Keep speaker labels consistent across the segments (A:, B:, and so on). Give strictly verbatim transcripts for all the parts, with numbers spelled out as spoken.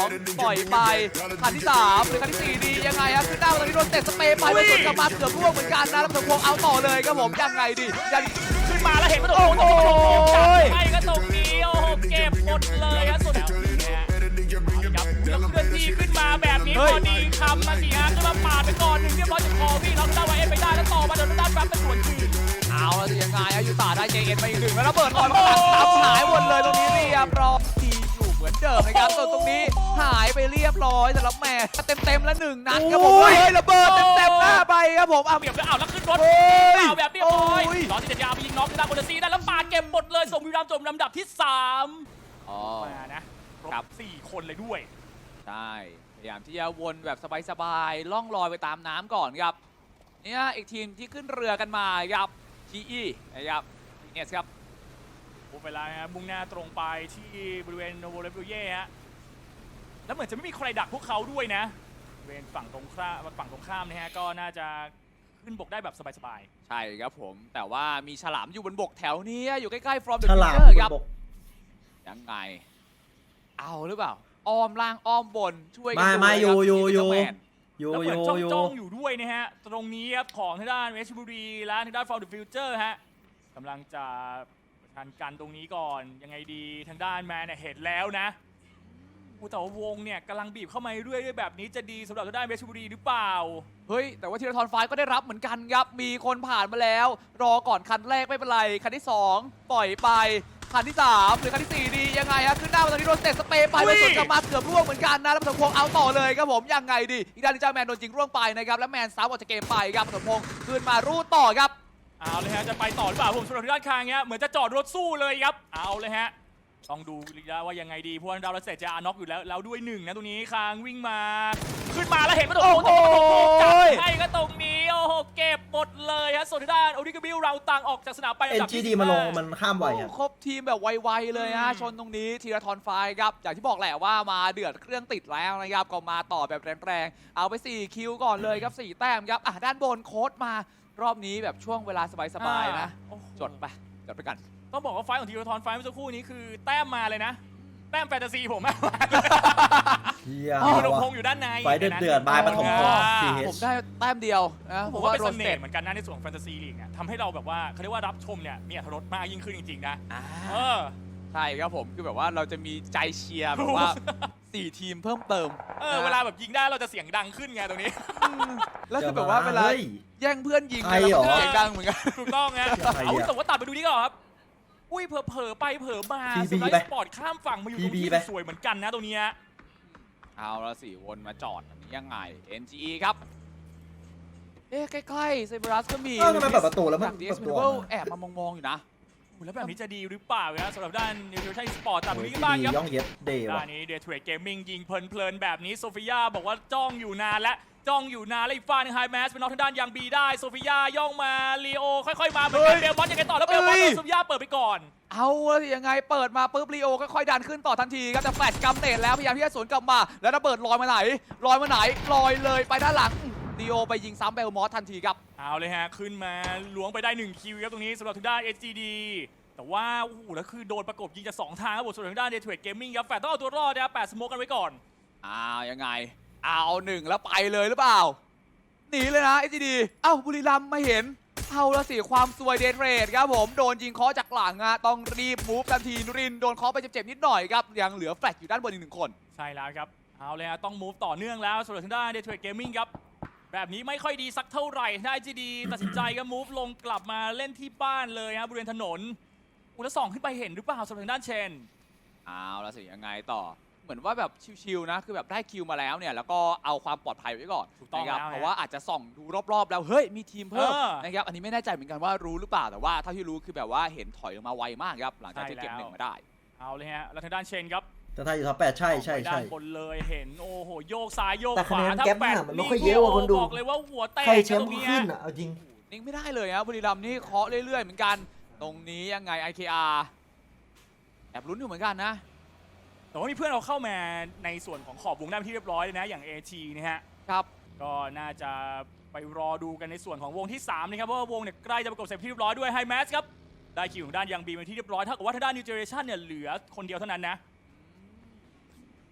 A: ปล่อยไปคันที่สามหรือคันที่สี่ดียังไงครับขึ้นหน้าตอนนี้โดนเตะสเปรย์ไปแล้วสวนกลับมาเกือบร่วงเหมือนกันนะแล้วสมพงษ์เอาต่อเลยครับผมยังไงดียัง
B: ขึ้นมาแล้วเห็นว่าโอ้โหจับให้ก็ตรงนี้โอ้โหเก็บหมดเลยครับสุดแล้วเนี่ยครับแล้วเคลื่อนที่ขึ้นมาแบบนี้พอดีคำมาสิฮะขึ้นมาปาดไปก่อนหนึ่งเรียบร้อยจากคอพี่เราได้ไวเอ็นไปได้แล้วต่อมาโดนด้านแป๊บเป็นสวนคืน
A: เอาแล้วยังไงอายุตาได้เจเอ็นไปอีกหนึ่งแล้วระเบิดลอยมาทับหายหมดเลยตรงนี้เรียบร้อยทีอยู่เหมือนเดิมนะครับส่วนตรงนี้หายไปเรียบร้อยสำหรับแม่เต็มเต็มๆแล้วหนึ่งนัดครับผมเฮ้ยระเบิดเต็มเต็มๆหน้าไปครับผมเอา
B: เบียบแล้วเอาแล้วขึ้นรถเอาแบบเรียบร้อยน้องที่จะยาวไปยิงน้องที่ด้านบนซีได้แล้วปาดเก็บหมดเลยส่งบุรีรัมย์จบลำดับที่สามมานะครบสี่คนเลยด้วย
A: ใช่พยายามที่จะวนแบบสบายๆล่องลอยไปตามน้ำก่อนครับเนี่ยอีกทีมที่ขึ้นเรือกันมาครับทีอีนะครับเนสครับ
B: โอ้เวลาฮะมุ่งหน้าตรงไปที่บริเวณโนโวเลฟิเย่ฮะแล้วเหมือนจะไม่มีใครดักพวกเขาด้วยนะบริเวณฝั่งตรงข้ามฝั่งตรงข้ามนะฮะก็น่าจะขึ้นบกได้แบบสบายๆ
A: ใช่ครับผมแต่ว่ามีฉลามอยู่บนบกแถวนี้อยู่ใกล้ๆ from the
C: ฉลาม
A: future ครับ
C: บนบก
A: ยังไงเอาหรือเปล่าอ้อมล่างอ้อมบนช่วยกั
C: ไม่
A: ดู
C: ไม่
A: เล
C: อยู่
A: ครับ
C: อยู่อยู่
A: แมน
C: อยู่
B: แล้วเห
C: อ
B: มือน
C: ยู่
B: จ้อง
C: อยู่
B: จ้องอยู่ด้วยนะฮะตรงนี้ครับของทางด้านเวชบุรีและทางด้าน from the future ฮะกำลังจะประชันกันตรงนี้ก่อนยังไงดีทางด้านแมนเนี่ยเห็นแล้วนะอู้แต่ว่าวงเนี่ยกำลังบีบเข้ามาเรื่อยๆแบบนี้จะดีสำหรับทางด้านเวชบุรีหรือเปล่า
A: เฮ้ยแต่ว่าธีรทรไฟก็ได้รับเหมือนกันครับมีคนผ่านมาแล้วรอก่อนคันแรกไม่เป็นไรคันที่สองปล่อยไปคันที่สามหรือคันที่สี่ดียังไงฮะขึ้นหน้าตอนนี้โดนเตะสเปรย์ไปแล้วสวนกลับมาเกือบร่วงเหมือนกันนะแล้วสมพงษ์เอาต่อเลยครับผมยังไงดีอีกด้านนิจ้าแมนโดนยิงร่วงไปนะครับแล้วแมนซ้ำออกจากเกมไปครับสมพงษ์ขึ้นมารูดต่อครับ
B: เอาเลยฮะจะไปต่อหรือเปล่าผมสำหรับทางด้านคางเนี้ยเหมือนจะจอดรถสู้เลยครับเอาเลยฮะต้องดูว่ายังไงดีเพราะว่าดาวรัสเซจะอาน็อกอยู่แล้วแล้วด้วยหนึ่งนะตรงนี้คางวิ่งมาขึ้นมาแล้วเห็นว่าโอ้โหจับให้ก็ตรงนี้โอ้โหเก็บหมดเลยฮะส่วนทางด้านโอริกาบิลเราต่างออกจากสนามไป
C: เอ็นจีดีมาลงมันข้ามไหวอ่ะ
A: ครบทีมแบบไวๆเลยฮะชนตรงนี้ธีรทรไฟครับอย่างที่บอกแหละว่ามาเดือดเครื่องติดแล้วนะครับก็มาต่อแบบแรงๆเอาไปสี่คิวก่อนเลยครับสี่แต้มครับอ่ะด้านบนโค้ดมารอบนี้แบบช่วงเวลาสบายๆนะจดไปจดไปกัน
B: ต้องบอกว่าไฟของธีรทรไฟเมื่อสักครู่นี้คือแต้มมาเลยนะแต้มแฟนตาซีผมอะ
C: เฮีย
B: มีลงพงอยู่ด้านใน
C: ไฟเดือดเดือดบายปฐมพร
A: ผมได้แต้มเดียวนะ
B: ผมว่าเป็นเสน่ห์เหมือนกันนะในส่วนของแฟนตาซีลีกเนี่ยทำให้เราแบบว่าเขาเรียกว่ารับชมเนี่ยมีอรรถรสมากยิ่งขึ้นจริงๆนะเออ
A: ใช่ครับผมคือแบบว่าเราจะมีใจเชียร์แบบว่าสี่ทีมเพิ่มเติม
B: เออเวลาแบบยิงได้เราจะเสียงดังขึ้นไงตรงนี้
A: แล้วคือแบบว่าเวลาแย่งเพื่อนยิง
C: ใครเหรอ
A: เสียงดังเหมือนกัน
B: ถูกต้องไง
C: ใครอะ
B: เอาแต่ว่าตัดไปดูนี่ก่อนครับอุ้ยเผลอเผลอไปเผลอมา
C: พี
B: ส
C: บี
B: ไล
C: ไป
B: ด์สปอร์ตข้ามฝั่งมาอยู่ตรง
C: พีบี
B: ที่
C: ไป
B: สวยเหมือนกันนะตรงนี้
A: เอาละสิวนมาจอดแบบนี้ยังไง เอ็น จี อี ครับเอ๊ะใกล้ๆไซบรัสก็มี
C: เออทำไมเปิดประตูแล้วมัน
A: ดี
C: เปิ
A: เอ็ก
C: ด
A: ซ์
C: ตัว
A: เบิลแอบมามองๆอยู่นะ
B: แล้วแบบนี้จะดีหรือเปล่านะสำหรับด้านนิวทริชั่นสปอร์ตตัด
C: โอ้
B: ไป
C: ย
B: ที่บ้าน
C: ดี
B: ครับ
C: ย่องเย็ดเดย์
B: ด้า
C: ว่ะ
B: นนี้เดย์เทรดเกมมิ่งยิงเพลินๆแบบนี้โซฟิยาบอกว่าจ้องอยู่นานและจ้องอยู่นานแล้วอีกฝ่ายหนึงไฮแมสเป็นน้องทางด้านยังบีได้โซฟิยาย่องมาลีโอค่อยๆมาเหมือนกันเบลมอนยังไงต่อแล้วเบลมอนโดนโซฟิยาเปิดไปก่อน
A: เอาละสิยังไงเปิดมาปุ๊บลีโอค่อยๆดันขึ้นต่อทันทีครับแต่แฟลชกำเนิดแล้วพยายามที่จะสวนกลับมาแล้วระเบิดลอยมาไหนลอยมาไหนลอยเลยไปด้านหลังลีโอไปยิงซ้ำเบลมอสทันทีครับ
B: เอาเลยฮะขึ้นมาล้วงไปได้หนึ่งคิวครับตรงนี้สำหรับทางด้าน เอส จี ดี แต่ว่าโอ้โหแล้วคือโดนประกบยิงจากสองทางครับผมส่วนทางด้านเดย์เทรดเกมมิ่งครับแฟนต้องเอาตัวรอดนะครับแปดสโมกกันไว้ก่อน
A: อ้าวยังไงเอาหนึ่งแล้วไปเลยหรือเปล่าหนีเลยนะเอสจีดีเอ้าบุรีรัมย์ไม่เห็นเอาละสิความซวยเดนเรดครับผมโดนยิงเคาะจากหลังอะต้องรีบมูฟทันทีนุรินโดนเคาะไปเจ็บๆนิดหน่อยครับยังเหลือแฟลชอยู่ด้านบนอีกหนึ่งคน
B: ใช่แล้วครับเอาเลยฮะต้องมูฟต่อเนื่องแล้วสำหรับทางด้านเดย์เทรดเกมมิ่งครับแบบนี้ไม่ค่อยดีสักเท่าไหร่ได้ จี ดี ตัดสินใจก็มูฟลงกลับมาเล่นที่บ้านเลยฮะบริเวณถนนอุลสองขึ้นไปเห็นหรือเปล่าสำหรับทางด้านเชน
A: เอาละสิยังไงต่อเหมือนว่าแบบชิวๆนะคือแบบได้คิวมาแล้วเนี่ยแล้วก็เอาความปลอดภัยไว้ก่อน
B: ถูกต้อง
A: นะครับ
B: แล้ว
A: เพราะว่าอาจจะส่องดูรอบๆแล้วเฮ้ยมีทีมเพิ่ม
B: เออ
A: นะครับอันนี้ไม่แน่ใจเหมือนกันว่ารู้หรือเปล่าแต่ว่าเท่าที่รู้คือแบบว่าเห็นถอยออกมาไวมากครับหลังจากที่เก็บหนึ่งมาได้
B: เอาเลยฮะแล้วทางด้านเชนครับ
C: แต่ถ้าอยู่ท็อปแปดใช่ใช่
B: ด้า
C: ใช่
B: นบนเลยเห็นโอ้โหโยกซ้ายโยก
D: แต่
B: ขวา
D: คะแนน
B: ถ้า
D: แก๊ป
B: แปด
D: น่ะมันไม่ค่อยเยอะว่ะคนดู
B: บอกเลยว่าหัวแตก
D: ใครแชม
B: ต
D: ป์
B: รง
D: ก็
B: นี้
D: ขึ้นอ่ะ เอาจริง
A: นิ่งไม่ได้เลยครับบุรีรัมย์นี่เคาะเรื่อยๆเหมือนกันตรงนี้ยังไง ไอ เค อาร์ แอบลุ้นอยู่เหมือนกันนะ
B: แต่ว่ามีเพื่อนเราเข้ามาในส่วนของขอบวงได้เป็นที่เรียบร้อยเลยนะอย่าง เอ ที นะฮะ
A: ครับ
B: ก็น่าจะไปรอดูกันในส่วนของวงที่สามนะครับเพราะว่าวงเนี่ยใกล้จะประกบเสร็จที่เรียบร้อยด้วยไฮแมสครับได้คิวของด้านยังบีเป็นที่เรียบร้อยเท่ากับว่าทางด้านนิวเจเรชั่นเนี่ยเหลือคนเดียวเท่านั้นนะ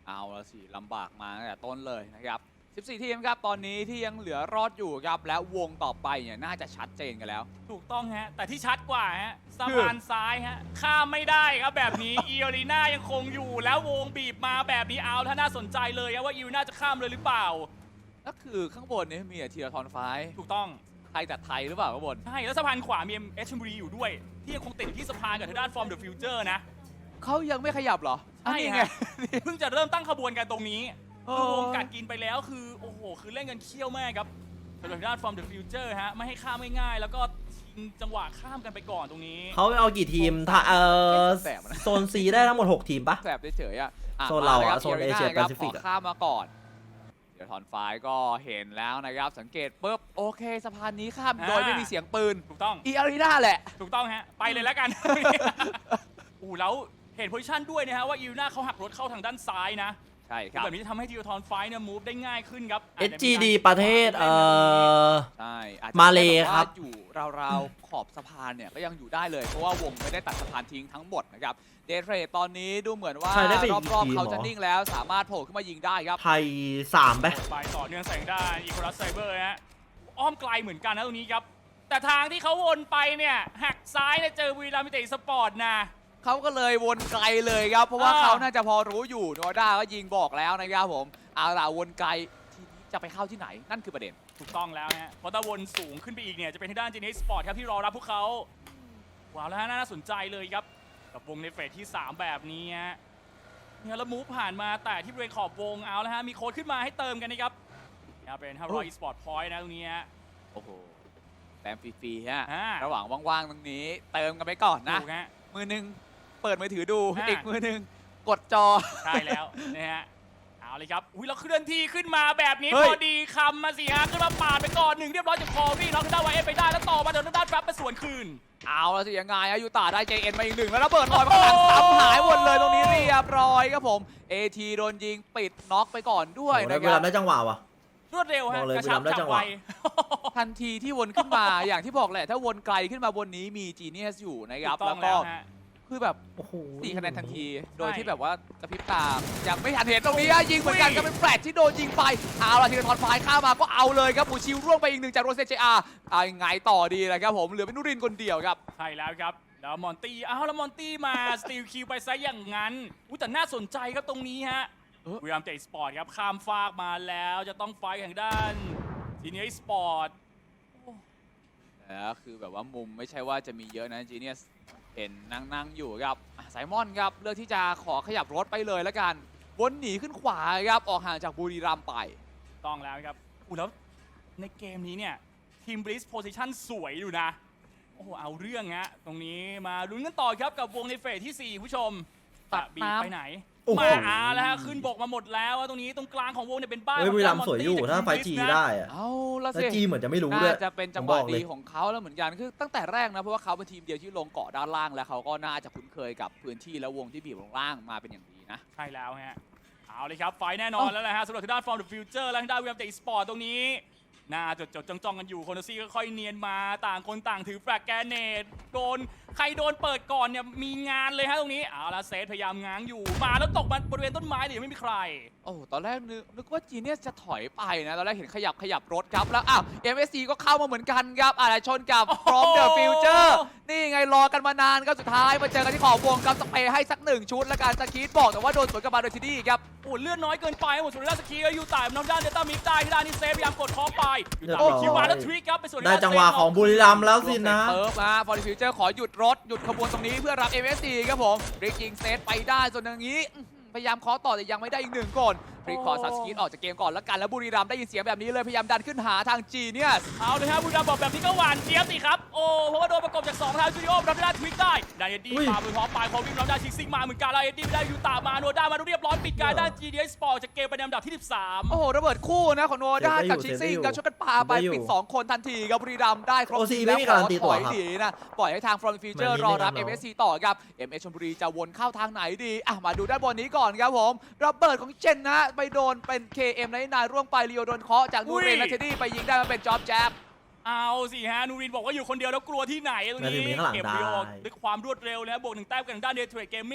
A: เอาละสิลำบากมาตั้งแต่ต้นเลยนะครับสิบสี่ทีมครับตอนนี้ที่ยังเหลือรอดอยู่ครับและวงต่อไปเนี่ยน่าจะชัดเจนกันแล้ว
B: ถูกต้องฮะแต่ที่ชัดกว่าฮะสะพานซ้ายฮะข้ามไม่ได้ครับแบบนี้ อีอารีนายังคงอยู่แล้ววงบีบมาแบบนี้เอาถ้าน่าสนใจเลยครับว่าอีอารีนาจะข้ามเลยหรือเปล่า
A: ก็คือข้างบนเนี่ยมีแต่ทีละทอนไฟ
B: ถูกต้อง
A: ไทยแต่ไทยหรือเปล่าข้างบน
B: ใช่แล้วสะพานขวามีเอ็มเอชบุรีอยู่ด้วย ที่ยังคงติดอยู่ที่สะพานกับทางด้าน From the Future นะ
A: เขายังไม่ขยับเหรอ
B: ใช่
A: อันนี้
B: ฮะ
A: ไง
B: เพิ่งจะเริ่มตั้งขบวนกันตรงนี้
A: เออ
B: คือวงกัดกินไปแล้วคือโอ้โหคือเล่นกันเคี่ยวมากครับสำหรับทางด้าน From the Future ฮะไม่ให้ข้ามง่ายๆแล้วก็ชิงจังหวะข้ามกันไปก่อนตรงนี้
C: เขาเอากี่ทีมถ้าเออ
A: แสบนะ
C: โซนซีได้ทั้งหมดหกทีมปะ
A: แสบเฉยๆอ่ะอ่ะ
C: โซนเราอะ
A: มลยคบ
C: โซนเอเชีย
A: อีอารีนาครับ
C: แปซิฟิก
A: ข
C: อะ
A: อข้ามมาก่อน เดี๋ยวทอนไฟก็เห็นแล้วนะครับสังเกตปุ๊บโอเคสะพานนี้ข้าม
B: อ่า
A: โดยไม่มีเสียงปืน
B: ถูกต้อง
A: อีอารีนาแหละ
B: ถูกต้องฮะไปเลยแล้วกัน อู้แล้วเห็นโพซิชันด้วยนะฮะว่าอีอารีนาเขาหักรถเข้าทางด้านซ้ายนะ
A: ใช่ครับ
B: แบบนี้จะทำให้ทีโอทอนไฟเนี่ยมูฟได้ง่ายขึ้นครับ
C: เอสจีดีประเทศเอ่อ
A: ใช่อาจจะ
C: มาเล
A: แบบว่
C: ครับ
A: อยู่ราวๆขอบสะพานเนี่ยก็ยังอยู่ได้เลยเพราะว่าวงไม่ได้ตัดสะพานทิ้งทั้งหมดนะครับเดทเทรดตอนนี้ดูเหมือนว่า
C: ใช่ได้ไปอีก
A: รอบ
C: ที
A: ๆ
C: ม
A: เขา
C: เหรอ
A: จะนิ่งแล้วสามารถโผล่ขึ้นมายิงได้ครับ
C: ไทยสามไป
B: ไปต่อเนื่องแสงด้านอีโคลัสไซเบอร์ฮะอ้อมไกลเหมือนกันนะตรงนี้ครับ แต่ทางที่เขาวนไปเนี่ยหักซ้ายเนี่ยเจอบุรีรัมย์ยูไนเต็ดสปอร์ตนะ
A: เขาก็เลยวนไกลเลยครับ เพราะว่า
B: อ่า
A: เขาน่าจะพอรู้อยู่โนด้าก็ยิงบอกแล้วนะครับผมเอาล่ะวนไกลทีนี้จะไปเข้าที่ไหนนั่นคือประเด็น
B: ถูกต้องแล้วฮะเพราะถ้าวนสูงขึ้นไปอีกเนี่ยจะเป็นทางด้านจีเนสปอร์ตครับที่รอรับพวกเขาว้าวแล้วฮะน่าสนใจเลยครับกับวงในเฟสที่ สาม แบบนี้ฮะเนี่ยแล้วมูฟผ่านมาแต่ที่บริเวณขอบวงเอาแล้วฮะมีโค้ดขึ้นมาให้เติมกันนะครับเนี่ยเป็นห้าร้อยอีสปอร์ตพอยต์นะตรงนี้ฮะ
A: โอ้โหแต้มฟรีๆฮะ
B: อ่า
A: ระหว่างว่างๆตรงนี้เติมกันไปก่อนนะ
B: ถูกฮะ
A: มือหนึงเปิดมือถือดู
B: อ่า
A: อีกมือหนึงกดจอ
B: ใช่แล้วนะฮะเอาเลยครับอุ้ยแล้วเคลื่อนที่ขึ้นมาแบบนี้
A: เฮ้
B: พ
A: ย
B: อดีคำมาสิฮะขึ้นมาปาดไปก่อนหนึ่งเรียบร้อยจากคอวี่น้องทางด้านวายเอฟไปได้แล้วต่อมาเดินทางด้านแฟบไปสวนคืน
A: เอาละสิยังไงอะยูตาได้ เจ เอ็น มาอีกหนึ่งแล้วระเบิดลอยมาข้างหลังซ้ำหายหมดเลยตรงนี้เรียบร้อยครับผม เอ ที โดนยิงปิดน็อกไปก่อนด้วย
C: โอ้โห
A: นะ
C: เว
A: ค
C: ลา
A: รับ
C: ได้จังหวะวะ
B: รวดเร็วฮะ
C: บอกเลย
B: กระชับ
C: บุรีรัมย์ได้
B: จั
C: จั
B: บ
C: งห
B: ไว
C: วะ
A: ทันทีที่วนขึ้นมา อย่างที่บอกแหละ ถ้าวนไกลขึ้นมาบนนี้มีจีเนียสอยู่นะครับ
B: ถูกต้
A: แล้
B: อ
A: ว
B: ง
A: ก็
B: แล้วฮะ
A: คือแบบ
C: โอ้โห
A: สี่คะแนนทันที โดย
B: ใช่
A: ที่แบบว่ากระพริบตายังไม่ทันเห็นตรงนี้อะยิงเหมือนกันก็เป็นแฟลชที่โดนยิงไปเอาละทีละทอนไฟล์ข้ามมาก็เอาเลยครับปูชิวร่วงไปอีกหนึ่งจากโรเซเจอาร์เอายังไงต่อดีเลยครับผมเหลือเป็นนุรินทร์คนเดียวครับ
B: ใช่แล้วครับแล้วมอนตี้อ้าวแล้วมอนตี้มาสตีลคิวไปซะอย่างนั้นอุ้ยแต่น่าสนใจครับตรงนี้ฮะ
A: เออ
B: บุรีรัมย์เตะสปอร์ตครับข้ามฟากมาแล้วจะต้องไฟท์ทางด้านทีนี้สปอร์ต
A: แล้วคือแบบว่ามุมไม่ใช่ว่าจะมีเยอะนะจีเนียสเห็นนั่งๆอยู่ครับอ่ะไซมอนครับเลือกที่จะขอขยับรถไปเลยแล้วกันวนหนีขึ้นขวาครับออกห่างจากบุรีรัมย์ไป
B: ต้องแล้วครับอู้แล้วในเกมนี้เนี่ยทีมบริสโพซิชันสวยอยู่นะโอ้โหเอาเรื่องฮะตรงนี้มาลุ้นกันต่อครับกับวงในเฟสที่สี่ผู้ชม
A: ตัด
B: บีบ
A: น้ำ
B: ไปไหน
C: โอ้โห
B: มาอาแล้วฮะขึ้นบกมาหมดแล้วอะตรงนี้ตรงกลางของวงเนี่ยเป็นบ้าน
C: เฮ้ย
B: ของ
C: บุรีรัมย์
B: มอน
C: สวย
B: ตี้
C: อยู่
B: จาก
C: ถ้าไฟ
B: ที
C: จี
B: มบริสนะ
C: ได้อะ
A: เอาละ
C: แล้ว
A: สิ
C: จีเหมือนจะไม่รู้ด้วย
A: น่าจะเป็นจังหวะ
C: ผมบอกเลย
A: ดีของเขาแล้วเหมือนกันคือตั้งแต่แรกนะเพราะว่าเขาเป็นทีมเดียวที่ลงเกาะด้านล่างแล้วเขาก็น่าจะคุ้นเคยกับพื้นที่และวงที่บีบลงล่างมาเป็นอย่างดีนะ
B: ใช่แล้วฮะเอาเลยครับไฟแน่นอนแล้วนะฮะสำหรับทางด้าน From the Future และทางด้านวิลเลียมเตะสปอร์ตตรงนี้น่าจดจดจ้องจ้องๆกันอยู่โคโนซี่ก็ค่อยเนียนมาต่างคนต่างถือแฟลกแกรเนตโดนใครโดนเปิดก่อนเนี่ยมีงานเลยฮะตรงนี้เอาละเซตพยายามง้างอยู่มาแล้วตกมาบริเวณต้นไม้แต่ยังไม่มีใคร
A: โอ้ตอนแรกนึกนึกว่าจีเนียสจะถอยไปนะตอนแรกเห็นขยับขยับรถครับแล้วอ้าว เอ็ม เอส ซี ก็เข้ามาเหมือนกันครับอะไรชนกับ From the Future นี่ไงรอกันมานานครับสุดท้ายมาเจอกันที่ขอบวงครับสเปรย์ให้สักหนึ่งชุดแล้วการสกีดบอกแต่ว่าโดนสวนกลับมาโดยทีดี้ครับ
B: โอ้เลือดน้อยเกินไปหมดสุดด้านสกีแล้วอยู่ต่ายน้องด้านเดต้ามิกได้ที่ด้านนี้เซฟพยายามกดคอไปอยู่ต่าย
C: เรียบร้อย
B: คิวมาแล้วทริกครับไปส่วน
C: ได้จังหวะของบุรีรัมย์แล้วสินะ
A: เติร์ฟนะฟอร์ดิฟิวเจอร์ขอหยุดรถ หยุดขบวนตรงนี้เพื่อรับ เอ็ม เอส ซี ครับผมริกยิงเซตไปได้ส่วนอย่างนี้อื้อหือพยายามเคาะต่อแต่ยังไม่ได้อีกหนึ่งก่อนริกขอซับสกีดออกจากเกมก่อนแล้วกันแล้วบุรีรัมย์ได้ยินเสียงแบบนี้เลยพยายามดันขึ้นหาทางจีเนียส
B: เอาเลยฮะบุรีรัมย์บอกแบบนี้ก็หวานเจี๊ยบสิครับโอ้เพราะว่าโดนประกบจากสองทางจูดิโอรับได้ทริกได้ได้เอ็ดดี้
C: อุ้ย
B: มาบนพร้อมปลายคอวิ่งรับได้ชิกซิงมาเหมือนกันแล้วเอ็ดดี้ได้ยูตามาโนด้ามาเรียบร้อยปิดการด้าน จี ดี เอส Sport จากเกมไปในอันดับที่สิบสาม
A: โอ้โหระเบิดคู่นะของโนด้า
C: เซฟได้อยู่
A: กับชิซิง
C: เซฟได้อยู่
A: กับช่วยกันปาไป
C: เซฟได้อยู่
A: ปิดสองคนทันทีครับบุรีรัมย์ได้ครบ
C: โอซี
A: ที
C: ไม่มีการันตีตัว
A: ถอย
C: ครับ
A: หนีนะปล่อยให้ทาง From the Future
C: มันมี
A: รอรับ
C: ไม่
A: เอ็
C: งั้
A: ม
C: น
A: เอ
C: เนอะ
A: ส ซี ต่อครับ เอ็ม เอส ชลบุรีจะวนเข้าทางไหนดีอ่ะมาดูด้านบนนี้ก่อนครับผมระเบิดของเจนนะไปโดนเป็น เค เอ็ม ในนายร่วงไปลีโอโดนเคาะจากนูเรนและเทดดี้ไปยิงได้มาเป็นจ็อบแจ๊บ
B: เอาสิฮะนูรินบอกว่าอยู่คนเดียวแล้วกลัวที่ไหนตรง
C: นาที
B: นี้
C: นี้ข้างหลัง
B: เก็บ
C: ได้
B: เรียวด้วยความรวดเร็วนะบวกหนึ่งแต้มกันทางด้านเดทเทรดเกมมิ่ง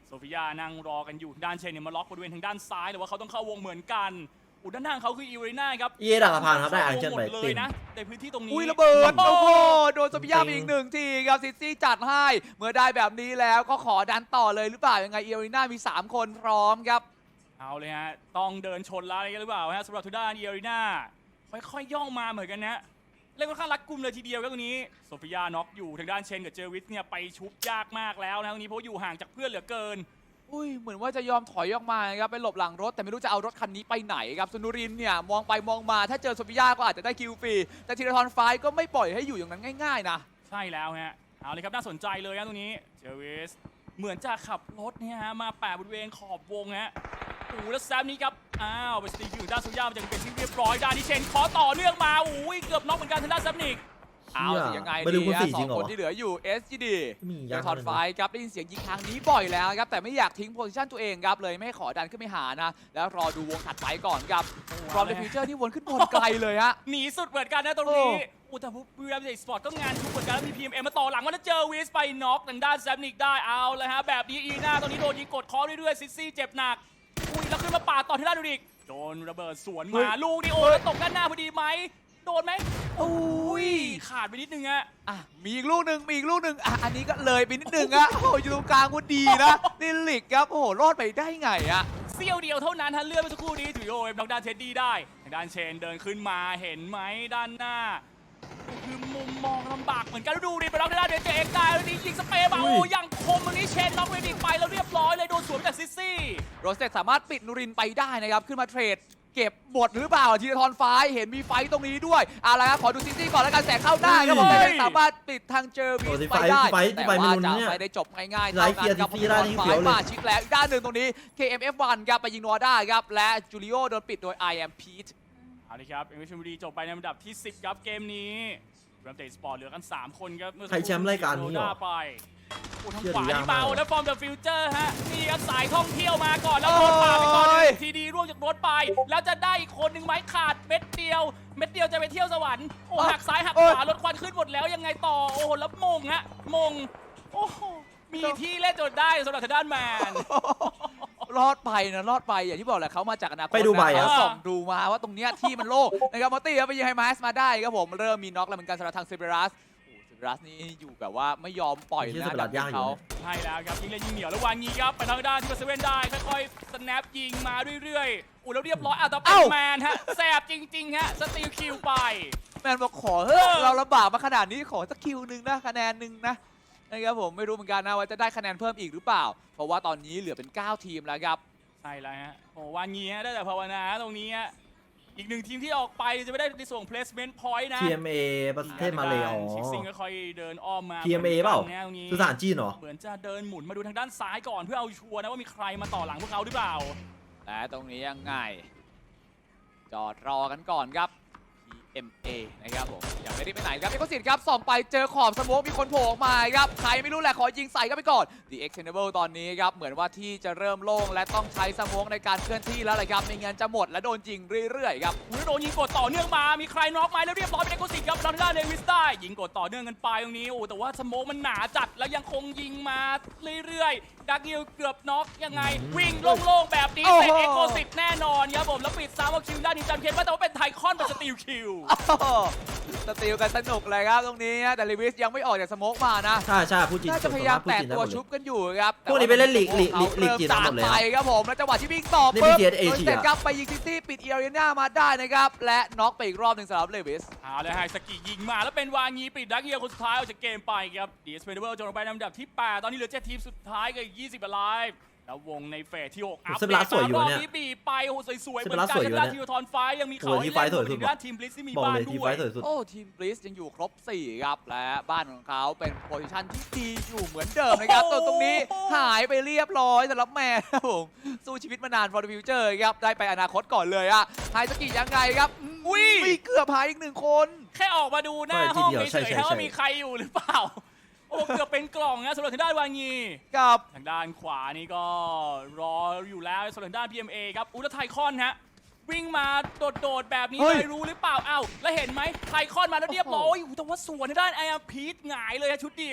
B: โซฟิยานั่งรอกันอยู่ด้านเชนเนี่ยมาล็อกบริเวณทางด้านซ้ายแต่ว่าเขาต้องเข้าวงเหมือนกันอุด้านหน้าเขาคืออีเรน่าครับ
C: เอดักสะพานครับได้อันเชิญไป
B: เล
C: ติ
B: ย
C: น
B: นะในพื้นที่ตรงนี้
A: อุ้ยระเบิด
B: โอ้
A: โอ้
B: โห
A: โหโดนโซฟิยาไปอีกหนึ่งทีครับซิซี่จัดให้เมื่อได้แบบนี้แล้วก็ขอดันต่อเลยหรือเปล่ายังไงเอริน่ามีสามคนพร้อมครับ
B: เอาเลยฮะต้องเดินชนแล้วอะไรกันหรือเปล่าฮะสำหรับทางด้านอีเรน่าค่อยๆย่องมาเหมือนกันนะเล่นค่อนข้างรัดกุมเลยทีเดียวครับตรงนี้โซฟิยาน็อกอยู่ทางด้านเชนกับเจอวิสเนี่ยไปชุบยากมากแล้วนะตรงนี้เพราะอยู่ห่างจากเพื่อนเหลือเกิน
A: อุ้ยเหมือนว่าจะยอมถอยออกมาครับไปหลบหลังรถแต่ไม่รู้จะเอารถคันนี้ไปไหนครับซุนุรินเนี่ยมองไปมองมาถ้าเจอโซฟิยาก็อาจจะได้คิวฟรีแต่ธีรทรไฟก็ไม่ปล่อยให้อยู่อย่างนั้นง่ายๆนะ
B: ใช่แล้วฮะเอาเลยครับน่าสนใจเลยนะตรงนี้เจอวิสเหมือนจะขับรถเนี่ยฮะมาแปะบริเวณขอบวงฮะโอ้โหแล้วแซมนี้ครับอ้าวไปสตีคิวด้านโซฟิยามันจะเป็นที่เรียบร้อยด้านนี้เชนขอต่อเนื่องมาอุ้ยเกือบน็อกเหมือนกันทางด้านแซมนิก
A: เอาสิยังไง
C: ไม่รู้
A: ดี
C: คุณ
A: ฮะ
C: สี่
A: ส
C: จ
A: อ
C: ริ
A: ง
C: งเหรอ
A: คนที่เหลืออยู่ เอส จี ดี
C: มี
A: เจ
C: ยั
A: อง ทอนไฟครับได้ยินเสียงยิงทางนี้บ่อยแล้วครับแต่ไม่อยากทิ้งโพซิชันตัวเองครับเลยไม่ให้ขอดันขึ้นไปหานะแล้วรอดูวงถัดไปก่อนครับพร้อมในฟิวเจอร์ที่วนขึ้นบนไกลเลยฮะ
B: หนีสุดเหมือนกันนะตรงนี้
A: โอ้
B: อุตาบุรีรัมย์สปอร์ตก็งานชุกเหมือนกันแล้วมี พี เอ็ม เอ็ม มาต่อหลังว่าแล้วเจอวิสไปน็อกทางด้านแซมนิกได้เอาเลยฮะแบบนี้อีน่าตรงนี้โดนยิงกดคอเรื่อยๆซิซี่เจ็บหนักอุ้ยแล้วขึ้นมาปาดต่อที่ด้านดูดิกโดนระเบิดสวนมาลูกนี่โอ้แล้วตกด้านหน้าพอดีไหมโดนไหม
A: อุ้ย
B: ขาดไปนิดนึงอะ
A: อ่ะมีอีกลูกหนึ่งมีอีกลูกหนึ่งอ่ะอันนี้ก็เลยไปนิดนึงอะโอ้โหอยู่ตรงกลางก็ดีนะลิลิกครับโอ้โหรอดไปได้ไงอะ
B: เสี้ยวเดียวเท่านั้นฮะเลื่อนไปสักครู่นี้ถือโอ้ยทางด้านเท็ดดี้ได้ทางด้านเชนเดินขึ้นมาเห็นไหมด้านหน้าคือมุมมองลำบากเหมือนกันดูดิไปน็อกทางด้านเดนเจเอ็กซ์ได้แล้วนี่ยิงสเปรย์มาโอ้ยังคมตรงนี้เชนน็อกเวดิกไปแล้วเรียบร้อยเลยโดนสวนจากซิซี่
A: โรสเต็สามารถปิดนูรินไปได้นะครับขึ้นมาเทรดเก็บบทหรือเปล่าทีละทอนไฟเห็นมีไฟตรงนี้ด้วยเอาละครับขอดูซิตี้ก่อนแล้วกันแสงเข้าได้ครับผมแต่ยังสามารถปิดทางเจอวีสไปได้แต่ว่าจะไม่ได้จบง่ายๆเท่านั้นครับทีละทอนไฟมาชิดแล้วอีกด้านหนึ่งตรงนี้ เค เอ็ม เอฟ วัน ครับไปยิงนัวได้ครับและจูริโอโดนปิดโดย I am Pete
B: เอาเลยครับเอ็มวีชลบุรีจบไปในลำดับที่สิบครับเกมนี้รัมเตสปอร์ตเหลือกันสามคนครับเมื่อสั
C: ใครแชมป์รายการนี้เหรอ
B: โดไปโอ้ทาง
C: เชื่อ
B: ขวา
C: ดูยาก
B: ที่เบาม
C: าก
B: แล้วฟอร์มเดอะฟิวเจอร์ฮะนี่ครับสายท่องเที่ยวมาก่อนแล้วโดนป่าดไปก่อน
A: โอ้ย
B: ทีดีร่วงจากรถไป แล้วจะได้อีกคนหนึ่งไหมขาดเม็ดเดียว เม็ดเดียวจะไปเที่ยวสวรรค์โอ้หักซ้ายหักขวารถควันขึ้นหมดแล้วยังไงต่อโอ้โหแล้วมงฮะมงโอ้โหมีที่เล่นจนได้สำหรับทางด้านแมน
A: รอดไปนะรอดไปอย่างที่บอกแหละเขามาจากอนาคต
C: ไปดูใบ
A: นะ
C: อะ
A: เขาส่องดูมาว่าตรงเนี้ยที่มันโล่งนะครับมอตตี้ครับไปยิงไฮมาสมาได้ครับผมเริ่มมีน็อกแล้วเหมือนกันสำหรับทางเซเบรัสโอ้เซเบรัสนี่อยู่แบบว่าไม่ยอมปล่อย
C: ที่
A: นะ
C: เซเบรัสยากอยู่
A: เขา
C: นะ
B: ใช่แล้วครับยิงเล่นยิงเหนียวแล้ววางยิงครับไปทางด้านที่เซเว่นได้ค่อยๆสแนปยิงมาเรื่อยๆอู้แล้วเรียบร้อยอ่ะแต่เป็นแมนฮะแสบจริงๆฮะสตีลคิวไป
A: แมนบอกขอเฮ้ยเราลำบากมาขนาดนี้ขอสักคิวหนึ่งนะคะแนนหนึ่งนะนะครับผมไม่รู้เหมือนกันนะว่าจะได้คะแนนเพิ่มอีกหรือเปล่า เพราะว่าตอนนี้เหลือเป็นเก้าทีมแล้วครับ
B: ใช่แล้วฮะโอ้วางงี้ฮะได้แต่ภาวนาตรงนี้ฮะอีกหนึ่งทีมที่ออกไปจะไม่ได้ในส่วนของ placement point นะ
C: ที เอ็ม เอ ประเทศมาเลยอ๋อ
B: ชิคซิงค่อยๆเดินอ้อมมา
C: ที เอ็ม เอ เปล่า
B: แนวนี้
C: สุสานจีนเหรอ
B: เหมือนจะเดินหมุนมาดูทางด้านซ้ายก่อนเพื่อเอาชัวร์นะว่ามีใครมาต่อหลังพวกเขาหรือเปล่า
A: และตรงนี้ยังไง จอดรอกันก่อนครับ ที เอ็ม เอ นะครับผมยังไม่ได้ไปไหนครับเอ็กซ์ซิครับส่องไปเจอขอบสโมกมีคนโผล่ออกมาครับใครไม่รู้แหละขอยิงใส่กันไปก่อน The Extendable ตอนนี้ครับเหมือนว่าที่จะเริ่มโล่งและต้องใช้สโมกในการเคลื่อนที่แล้วเลยครับไม่งั้นจะหมดและโดนยิงเรื่อยๆครับ
B: อุ้ยโดนยิงกดต่อเนื่องมา มีใครน็อกไหมแล้วเรียบร้อยเป็นเอ็กโคซิครับทางด้านเดวิสได้ยิงกดต่อเนื่องกันไปตรงนี้ โอ้แต่ว่าสโมกมันหนาจัดแล้วยังคงยิงมาเรื่อยๆ ดักยิลเกือบน็อกยังไง วิ่งโล่งๆแบบนี้
A: โอ้โห
B: เสร็จเอ็กโคซิแน่นอนครับผมแล้วปิดซ้ำเอาคิวด้านนี้จันเคนว่าแต่ว่าเป็นไทคอนเป็นสตีลคิว
A: สติลกันสนุกเลยครับตรงนี้แต่ลิวิสยังไม่ออกจากสโมกมานะ
C: ใช่ใช่พูดจริง
A: น่าจะพยายามแตะตัวชุบกันอยู่ครับ
C: พวกนี้ไปเล่นลีกลีกลีกลีกจีน
A: สา
C: หม
A: ม
C: ดเลย
A: ไป
C: อะ
A: ครับผมแล้วจังหวะที่วิ่งต่อ
C: นี่
A: ปุ๊บ
C: เป็น ที เอส เอ
A: โดนเสร็จ
C: อะ
A: ครับไปยิงซิตี้ปิดเอเรียนามาได้นะครับและน็อกไปอีกรอบหนึ่งสำหรับเลวิส
B: เอาเลยไฮสกิยิงมาแล้วเป็นวางีปิดดักเยียคนสุดท้ายออกจากเกมไปครับดีเอสเพเดเบิลจบลงไปในลำดับที่แปดตอนนี้เหลือเจ็ดทีมสุดท้ายกับอีกยี่สิบไลฟ์แล้ววงในเฟสที่หกอัพ
C: เซเบรัสสวยอยู่
B: รอบ
C: เนี่ย
B: นี้บีบไปโอ้โหสวยๆเห
C: เซ
B: มือ
C: เบรั
B: น
C: ส
B: กัน
C: สวยอยู่
B: ทางด้าน
C: เนี่ย
B: ทีมทอนไฟยังมีเขา
C: โอ้โห
B: ให้
C: ที่ไฟ
B: เล่น
C: สวยสุด
B: ทางด้านทีมบลิสที่มี
C: บอก
B: บ้าน
C: เลยที
B: ด้
C: ไฟ
B: วย
C: สวยสุด
A: โอ้ทีมบลิสยังอยู่ครบสี่ครับและบ้านของเขาเป็นโพซิชันที่ดีอยู่เหมือนเดิมนะครับตัวตรงนี้หายไปเรียบร้อยสำหรับแมนครับผมสู้ชีวิตมานาน for the future ครับได้ไปอนาคตก่อนเลยอะไฮสกิยังไงครับอุ้ยเกือบหายอีกหนึ่งคน
B: แค่ออกมาดูหน้า
C: ใช่
B: ห้อง
C: ทีเดียว
B: เฉ
C: ใช่
B: ย
C: ใช่
B: ๆว่า
C: ใช่
B: มีใครอยู่หรือเปล่า โอ้เกือบเป็นกล่องนะสำหรับทางด้านวางี
A: กับ
B: ทางด้านขวานี่ก็รออยู่แล้วสำหรับทางด้าน พี เอ็ม เอ ครับอุลตร้าไทคอนฮะวิ่งมาโดดๆแบบนี้เลยรู้หรือเปล่าอ้าวแล้วเห็นไหมไทคอนมาแล้วเรียบร้อยโอ้โหแต่ว่าสวนทางด้านไออาร์พีทหงายเลยฮะชุดเดียว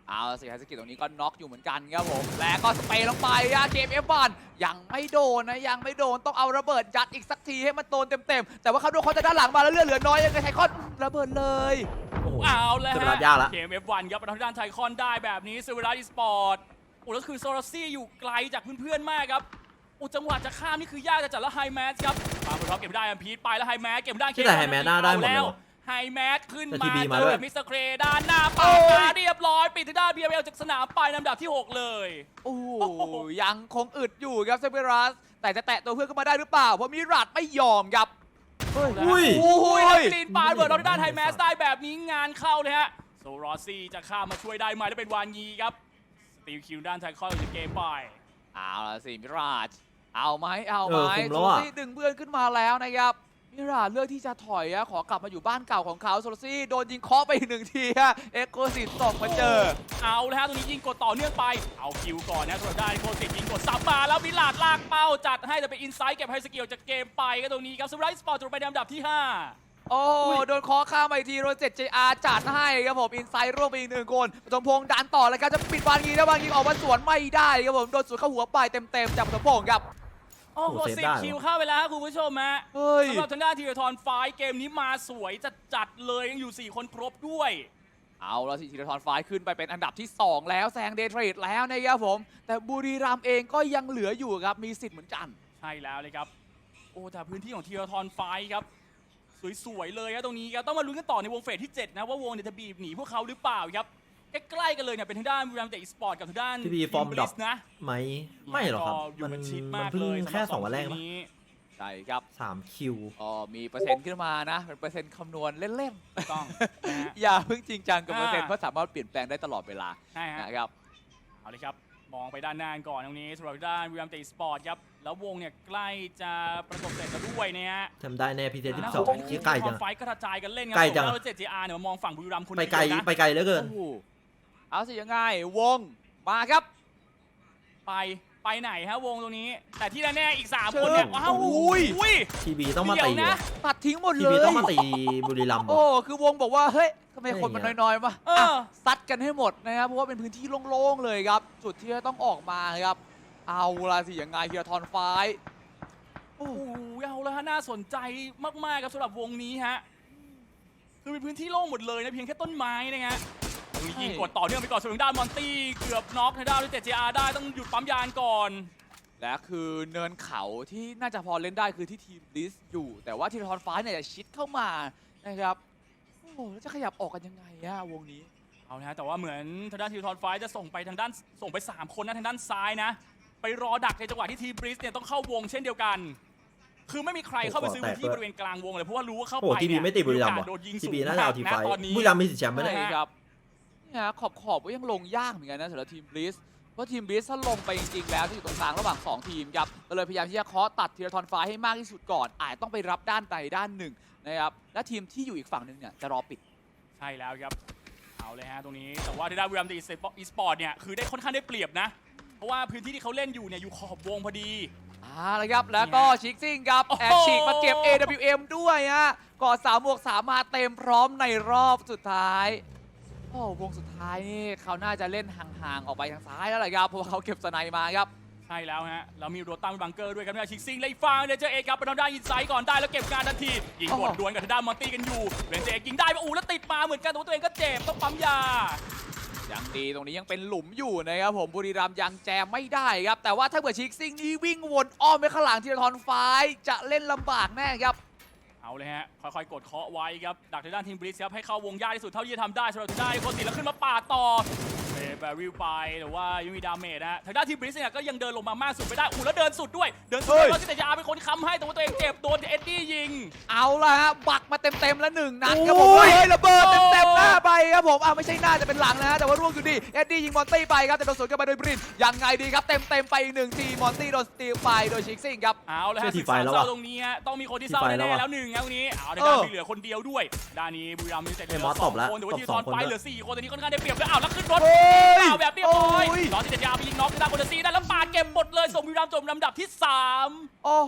A: เอาสิไฮสกิตตรงนี้ก็น็อกอยู่เหมือนกันครับผมและก็สเปรย์ลงไปอะเกม เอฟ วัน ยังไม่โดนนะยังไม่โดนต้องเอาระเบิดยัดอีกสักทีให้มันโดนเต็มๆแต่ว่าเขาโดนเขาจะด้านหลังมาแล้วเลือดเหลือน้อยยังไงไทคอนระเบิดเลย
C: โอ้โห
B: เอาแล้ว
C: เซเว
B: ฮะ
C: รัสยากละ
B: เกม เอฟ วัน ครับทางด้านไทคอนได้แบบนี้เซเวรัสอีสปอร์ตโอ้แล้วคือโซลาซี่อยู่ไกลจากเพื่อนๆมากครับโอ้จังหวะจะข้ามนี่คือยากจะจัดแล้วไฮแมสครับปาบอลท็อปเก็บได้อัมพีทไปแล้วไฮแมสเก็บได้
C: ที่ไหนไฮแมสหน้าได้หมดเลย
B: ไฮแมสขึ้น
C: แต่
B: มา
C: ที
B: เจ
C: บีมา
B: อ
C: ด้วย
B: กับมิสเตอร์เครด้านหน้าปา
A: โอ้
B: ด
A: ย
B: มาเรียบร้อยปิดทางด้าน บี เอ แอล จากสนามไปลำดับที่หกเลย
A: โอ้โหยังคงอึดอยู่ครับเซเบรัสแต่จะแตะตัวเพื่อนขึ้นมาได้หรือเปล่าเพราะมิราดไม่ยอมครับ
C: อุ้ย
A: โอ้โห
B: โอ้ยลินปาดเบิร์ดทางด้านไฮแมสได้แบบนี้งานเข้าเลยฮะโซรอซี่จะข้ามมาช่วยได้ไหมแล้วเป็นวานยีครับสตีลคิวด้านไทคอนอยู่ในเกมไป
A: เอาละสิมิราดเอาไหมเอาไหม
C: เออคุมแล้ว
A: โซ
C: อะ
A: ซี่ดึงเพื่อนขึ้นมาแล้วนะครับมิราดเลือกที่จะถอยอะขอกลับมาอยู่บ้านเก่าของเขาโซลซี่โดนยิงเคาะไปอีกหนึ่งทีฮะเอ็กโคซิตส่งมาเจอ
B: เอาแล้วฮะตรงนี้ยิงกดต่อเนื่องไปเอาคิวก่อนนะสำหรับด้านโคสิตยิงกดซับมาแล้วมิลาดลากเป้าจัดให้แต่เป็นอินไซด์เก็บไฮสกิลจากเกมไปก็ตรงนี้ครับสไลด์สปอร์ตจบไปในอันดับที่ห้า
A: โอ้โดนเคอข้ามไปอีกทีโรเจ็ตเจอาร์จัดให้ครับผมอินไซด์ร่วมไปอีกหนึ่งคนปฐมพงษ์ดันต่อเลยครับจะปิดบานยิงแล้วบานยิงออกมาสวนไม่ได้ครับผมโดนสวนเข้าหัวไปเต็มๆจากปฐมพงษ์ครับ
B: โอ้โห
C: โอ้เซฟ
B: สิ
C: ได้
B: บ
C: เหรอ
B: คิวเข้าไปแล้วครับคุณผู้ชมฮะ
A: เฮ้ย
B: สำหรับทางด้านทีรทรไฟท์เกมนี้มาสวยจัดจัดๆเลยยังอยู่สี่คนครบด้วย
A: เอาละสิธีรทรฟ้ายขึ้นไปเป็นอันดับที่สองแล้วแซงเดย์เทรดแล้วนะครับผมแต่บุรีรัมย์เองก็ยังเหลืออยู่ครับมีสิทธิ์เหมือนกัน
B: ใช่แล้วเลยครับโอ้แต่พื้นที่ของทีรทรไฟท์ครับสวยๆเลยครับตรงนี้ครับต้องมาลุ้นกันต่อในวงเฟสที่เจ็ดนะว่าวงเนี่ยจะบีบหนีพวกเขาหรือเปล่าครับใกล้ๆกันเลยเนี่ยเป็นทางด้านบุรีรัมย์เตะอีสปอร์ตกับทางด้าน
C: ทีบีฟอร์ม
B: Team
C: ดรอป
B: Bliss นะ
C: ไหมไม่หรอกครับ
B: อยู่
C: มัน
B: กันชิด
C: มั
B: มาน ก
C: เพิ่ง
B: เลย
C: แค่สองวันแรก
B: สำห
C: นะ
B: บนี้
A: ใช่ครับ
C: สามคิว
A: อ๋อมีเปอร์เซ็นต์ขึ้นมานะเป็นเปอร์เซ็นต์คำนวณเล่น
B: ถูกต้องนะฮะ
A: ๆ อย่าเพิ่งจริงจังกับ
B: อ่า
A: เปอร์เซ็นต์เพราะสามารถเปลี่ยนแปลงได้ตลอดเวลา
B: ใช่ฮะ
A: นะครับ
B: เอาเลยครับ มองไปด้านหน้าก่อนตรงนี้สำหรับด้านวิล l มเตสปอร์ตครับ แล้ววงเนี่ยใกล้จะประกบเสร็จแล้วด้วยเนี่ยฮะ
C: ทำได้แน่พีเซที่
B: แล้ว
C: สอง
B: วง
C: ที่ใกล้จัง
B: ไฟท์ก็กระจายกันเล่นครั
C: ใกล้จัง
B: แล้วเจ็ดจีอาร์เนี่ยมามองฝั่งบุรีรัมย์คน
C: ไป
B: เดียว
C: ไกล
B: นะ
C: ไปไกลเหลือเกิน
A: โอ้โหเอาสิยังไงวงมาครับ
B: ไปไปไหนฮะวงตรงนี้ แต่ที่แน่ๆอีกสามคนเนี่ย
A: เชิญ
B: ว้าว
A: อุ้ย
B: อุ้ย
C: ทีบีต้องมา
B: เดี๋
C: ตี
B: ยวนะ
C: ว่ะ
A: ตัดทิ้งหมด
C: ที
A: เล
C: บี
A: ย
C: ต้องมาตีบุรีรัมย์
A: โอ้
C: ว่ะ
A: คือวงบอกว่าเฮ้ยทำไมคนมัน
C: อะไรอย่างเงี้ย
A: น้อยๆวะ
B: เออ
A: อ่ะซัดกันให้หมดนะครับเพราะว่าเป็นพื้นที่โล่งๆเลยครับจุดที่จะต้องออกมาครับเอาละสิยังไงธีรทรฟ้าย
B: โอ้โหเอาแล้วฮะน่าสนใจมากๆครับสำหรับวงนี้ฮะคือเป็นพื้นที่โล่งหมดเลยนะเพียงแค่ต้นไม้นะฮะยิงกดต่อเนื่องไปก่อนส่วนทางด้านมอนตี้เกือบน็อกทางด้านเจ็ดจีอาร์ได้ต้องหยุดปั๊มยานก่อน
A: และคือเนินเขาที่น่าจะพอเล่นได้คือที่ทีมลิสอยู่ แต่ว่าธีรทรฟ้ายเนี่ยจะชิดเข้ามานะครับโอ้โหแล้วจะขยับออกกันยังไงอะวงนี้
B: เอานะฮะแต่ว่าเหมือนทางด้านทีมทอนไฟจะส่งไปทางด้านส่งไปสามคนนะทางด้านซ้ายนะ ไปรอดักในจังหวะที่ทีมบริสเนี่ยต้องเข้าวงเช่นเดียวกัน คือไม่มีใครเข้าไปซื้อพื้นที่บริเวณกลางวงเลยเพราะว่ารู้ว่าเข้า
C: โอ้
B: ไป
C: ทีบี
B: เนี่ย
C: ไม่ตีบุรีรัมย์
B: โอ
C: ว่ะ
B: กาสโดนยิง
C: ที
B: สูง
C: บีน่าจะเอาที
B: มาก
C: ไฟ
B: นะตอนนี้
C: บุรีรัมย์มีสิทธิ์แชมป์ไหมเนี่ย
A: ใช่ครับเนี่ยขอบขอบก็ยังลงยากเหมือนกันนะสำหรับทีมบลิสเพราะทีมบลิสถ้าลงไปจริงๆแล้วจะอยู่ตรงกลางระหว่างสองทีมครับก็เลยพยายามที่จะเคาะตัดธีรทรฟ้าให้มากที่สุดก่อนอาจต้องไปรับด้านใดด้านหนึ่งนะครับและทีมที่อยู่อีกฝั่งหนึ่งเนี่ยจะรอปิด
B: ใช่แล้วครับเอาเลยฮะตรงนี้แต่ว่าทางด้านวิลเลมตีอีสปอร์ตเนี่ยคือได้ค่อนข้างได้เปรียบนะเพราะว่าพื้นที่ที่เขาเล่นอยู่เนี่ยอยู่ขอบวงพอดี
A: อ่าแล้วครับแล้วก็ชิกซิ่งครับ
B: โอ้โห
A: แอบฉีกมาเก็บ เอ ดับเบิลยู เอ็ม ด้วยฮะกอดสามบวกสามมาเต็มพร้อมในรอบสุดท้ายโอ้วงสุดท้ายนี่เขาน่าจะเล่นห่างๆออกไปทางซ้ายแล้วแหละครับเพราะว่าเขาเก็บสไนด์มาครับ
B: ใช่แล้วฮะเรามีโรตัมบังเกอร์ด้วยครับเนี่ยชิกซิงไล่ฟังเดนเจอเอกครับไปทางด้านอินไซด์ก่อนได้แล้วเก็บการทันทียิงกดดวลกับทางด้านมอนตี้กันอยู่เดนเจอเอกยิงได้มาอูแล้วติดมาเหมือนกันแต่ว่าตัวเองก็เจ็บต้องปั๊มยา
A: ยังดีตรงนี้ยังเป็นหลุมอยู่นะครับผมบุรีรัมย์ยังแจมไม่ได้ครับแต่ว่าถ้าเกิดชิกซิ่งนี้วิ่งวนอ้อมไปข้างหลังธีรทรฟ้ายจะเล่นลำบากแน่ครับ
B: เอาเลยฮะค่อยๆกดเคาะไว้ครับดักทางด้านทีมบริสครับให้เข้าวงยากที่สุดเท่าที่จะทำได้สำหรับทางด้านโคติแล้วขึ้นมาปาดต่อเบย์แบริลไปแต่ว่ายังมีดาเมจนะฮะทางด้านทีมบริสเนี่ยก็ยังเดินลงมามากสุดไม่ได้อู้แล้วเดินสุดด้วยเดินสุดด้วยแล้วที่แต่ยาเป็นคนค้ำให้แต่ว่าตัวเองเจ็บโดนเอ็ดดี้ยิง
A: เอาละฮะบักมาเต็มๆแล้วหนึ่งนัดครับผม
C: โอ้ย
A: เฮ้ยระเบิดเต็มๆหน้าไปครับผมอ่าไม่ใช่หน้าจะเป็นหลังนะฮะแต่ว่าร่วงอยู่ดีเอ็ดดี้ยิงมอนตี้ไปครับแต่โดนสวนกลับมาโดยบรินยังไงดีครับเต็มๆไปอีกหนึ่งทีมอนตี้โดนสตีลไปโดยชิกซิ่งครับ
B: เอาเลยฮะ
C: เชื่อที
B: ศึก
C: ไฟ
B: ษา
C: แล้ว
B: เศร้า
C: ว่ะ
B: ตรงนี้ฮะต้องมีคนที่เศร้า
C: ทีไฟแล้
B: แน่
C: วว่ะ
B: ๆแล้วหนึ่งครับตรงนี้เอาใน
A: เอ
B: ด้าน
A: อ
B: มีเหลือคนเดียวด้วยด้านนี้บุรีรัมย์มีแต่เหลื
C: เอ้ย
B: อ
C: มอส
B: สอง
C: ตบแล้ว
B: คนแต่ว่า
C: ตบ
B: ที่
C: ส
B: ต
C: อ
B: อง น
C: คน
B: ไฟ
C: ด้วย
B: เหลือสี่คนตอนนี้ค่อนข้างได้เปรียบแล้วอ้าวแล้วขึ้นรถ
A: เฮ้ย
B: เอาแบบเรียบร้อย
A: โอ้ย
B: รอที่แต่ยาไปยิงน็อกที่ด้านบนซีได้แล้วปาดเก็บหมดเลยส่งบุรีรัมย์จบลำดับที่สาม
A: โอ้โหแล้ว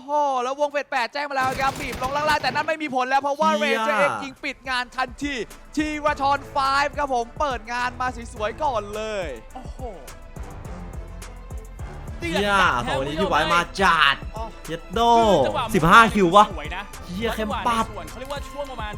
A: แล้ววงเฟสแปดแจ้งมาแล้วครับบีบลงล่างๆแต่นั่นไม่มีผลแล้วเพราะว่าเร
C: เชี่
A: น
C: ย
A: เจอร์เอ็กยิงปิดงานทันทีทีราชอนไฟว์ครับผมเปิดงานมาสวยๆก่อนเลย
B: โอ้โห
C: เฮียโหนี่พี่ไว้มาจัด
A: อ๋อ
C: เย็ดโด
B: คือจังหวะ
C: สิบห้าคิววะ
B: สวยนะ
C: เฮียเข้มปับ
B: ส่วนเขาเรียกว่าช่วงประมาณ